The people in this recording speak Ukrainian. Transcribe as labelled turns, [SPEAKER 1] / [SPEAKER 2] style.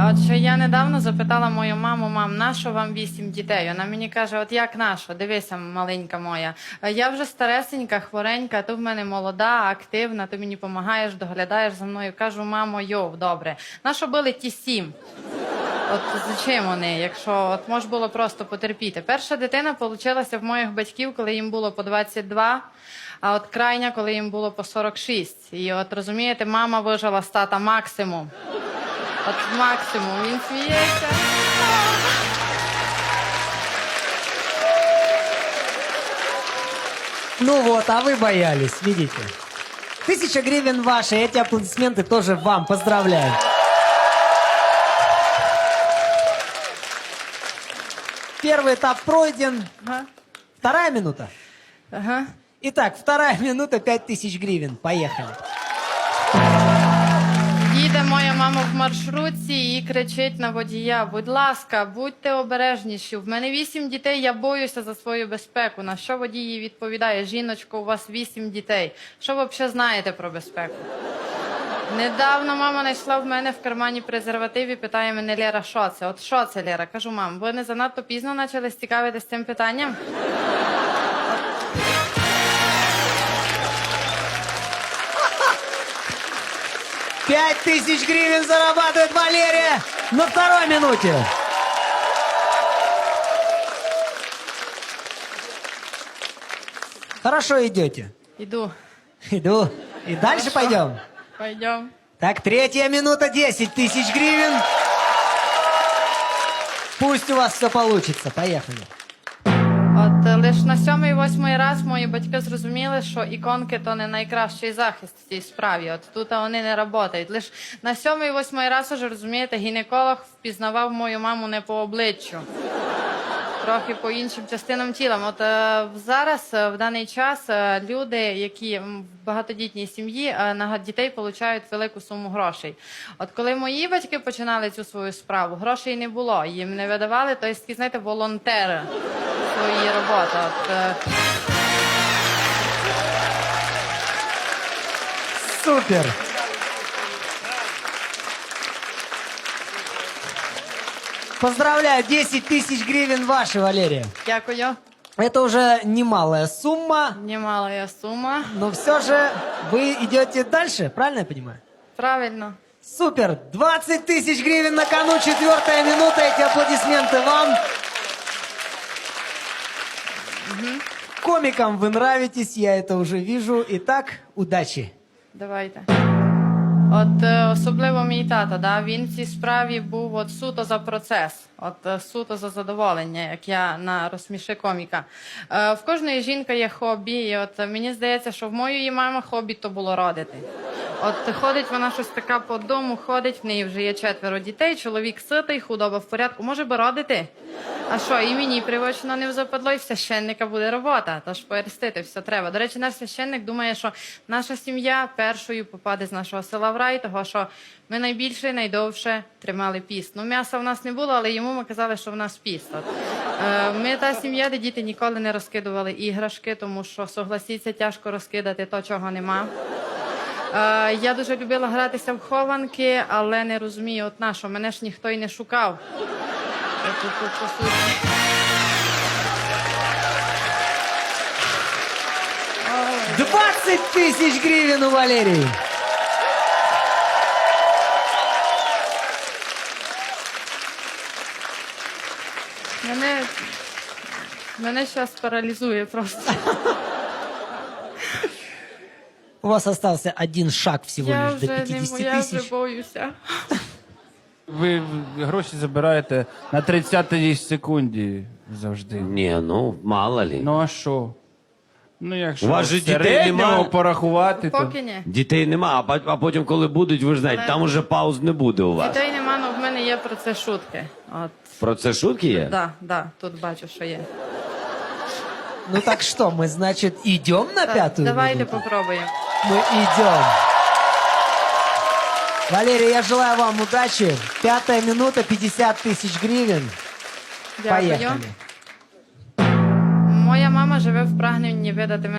[SPEAKER 1] От що я недавно запитала мою маму: мам, нащо вам 8 дітей? Вона мені каже: от як нащо? Дивися, маленька моя. Я вже старесенька, хворенька, ти в мене молода, активна, ти мені допомагаєш, доглядаєш за мною. Кажу: мамо, йов, добре. Нащо били ті 7? От зачем вони, якщо от може було просто потерпіти? Перша дитина получилася в моїх батьків, коли їм було по 22, а от крайня, коли їм було по 46. І от розумієте, мама вижила з тата максимум. От максимум, він сміється.
[SPEAKER 2] Ну вот, а вы боялись, видите. 1000 гривен ваши, эти аплодисменты тоже вам. Поздравляю. Первый этап пройден.
[SPEAKER 1] Ага.
[SPEAKER 2] Вторая минута.
[SPEAKER 1] Ага.
[SPEAKER 2] Итак, вторая минута, 5000 гривен. Поехали.
[SPEAKER 1] Їде моя мама в маршрутці і кричить на водія: будь ласка, будьте обережніші. В мене 8 дітей, я боюся за свою безпеку. На що водій їй відповідає: жіночко, у вас 8 дітей. Що ви взагалі знаєте про безпеку? Недавно мама знайшла в мене в кармані презерватив і питає мене: Лера, що це? От що це, Лера? Кажу: мам, ви не занадто пізно почали цікавитися цим питанням?
[SPEAKER 2] 5000 гривен зарабатывает Валерия на второй минуте. Хорошо идете.
[SPEAKER 1] Іду.
[SPEAKER 2] Иду. И дальше пойдем.
[SPEAKER 1] Пойдем.
[SPEAKER 2] Так, третья минута, 10 000 гривен. Пусть у вас все получится. Поехали.
[SPEAKER 1] От лише на 7-8 раз мої батьки зрозуміли, що іконки – то не найкращий захист в цій справі. От тут вони не працюють. Лише на 7-8 раз, уже розумієте, гінеколог впізнавав мою маму не по обличчю, трохи по іншим частинам тіла. От зараз, в даний час, люди, які в багатодітній сім'ї, на дітей отримують велику суму грошей. От коли мої батьки починали цю свою справу, грошей не було, їм не видавали, то є такі, знаєте, волонтери свої роботи.
[SPEAKER 2] Супер. Поздравляю, 10 000 гривен ваши, Валерия.
[SPEAKER 1] Дякую.
[SPEAKER 2] Это уже немалая сумма,
[SPEAKER 1] Немалая сума.
[SPEAKER 2] но все же вы идете дальше, правильно я понимаю?
[SPEAKER 1] Правильно.
[SPEAKER 2] Супер! 20 000 гривен на кону, 4-я минута, эти аплодисменты вам. Комикам вы нравитесь, я это уже вижу. Итак, удачи.
[SPEAKER 1] Давайте. От особливо мій тато, да, він в цій справі був от суто за процес, от суто за задоволення, як я на «Розсміши коміка». В кожної жінки є хобі, і от мені здається, що в моєї мами хобі то було родити. От ходить вона щось така по дому, ходить, в неї вже є 4 дітей, чоловік ситий, худоба в порядку, може би родити? А що, і мені привично не западло, і в священника буде робота, тож поерстити все треба. До речі, наш священник думає, що наша сім'я першою попаде з нашого села в рай, того що ми найбільше, найдовше тримали піст. Ну, м'яса в нас не було, але йому ми казали, що в нас піст. От. Ми та сім'я, де діти ніколи не розкидували іграшки, тому що, согласіться, тяжко розкидати то, чого нема. Я дуже любила гратися в хованки, але не розумію, от на що, мене ж ніхто й не шукав. По суті.
[SPEAKER 2] 20 000 гривен у Валерии.
[SPEAKER 1] Мене зараз паралізує просто.
[SPEAKER 2] У вас остался один шаг всего
[SPEAKER 1] Я
[SPEAKER 2] лишь до
[SPEAKER 1] вже
[SPEAKER 2] 50
[SPEAKER 1] я вже
[SPEAKER 2] 000.
[SPEAKER 1] боюся.
[SPEAKER 3] Ви гроші забираєте на 30-й секунді завжди.
[SPEAKER 4] Ні, ну мало лі.
[SPEAKER 3] Ну а що? Ну якщо
[SPEAKER 4] У вас же
[SPEAKER 3] в
[SPEAKER 4] дітей
[SPEAKER 3] середньому
[SPEAKER 4] нема?
[SPEAKER 3] порахувати, то...
[SPEAKER 1] Поки ні.
[SPEAKER 4] Дітей нема, а потім, коли будуть, ви ж знаєте, там уже пауз не буде у вас.
[SPEAKER 1] Дітей нема, але в мене є про це шутки. От.
[SPEAKER 4] Про це шутки є?
[SPEAKER 1] Да, тут бачу, що є.
[SPEAKER 2] Ну так что, мы, значит, идем на
[SPEAKER 1] Так,
[SPEAKER 2] пятую
[SPEAKER 1] давайте
[SPEAKER 2] минуту?
[SPEAKER 1] попробуємо.
[SPEAKER 2] Мы идем. Валерия, я желаю вам удачи. 5-я минута, 50 000 гривен.
[SPEAKER 1] Дякую.
[SPEAKER 2] Поехали.
[SPEAKER 1] Моя мама живе в прагненні видати мене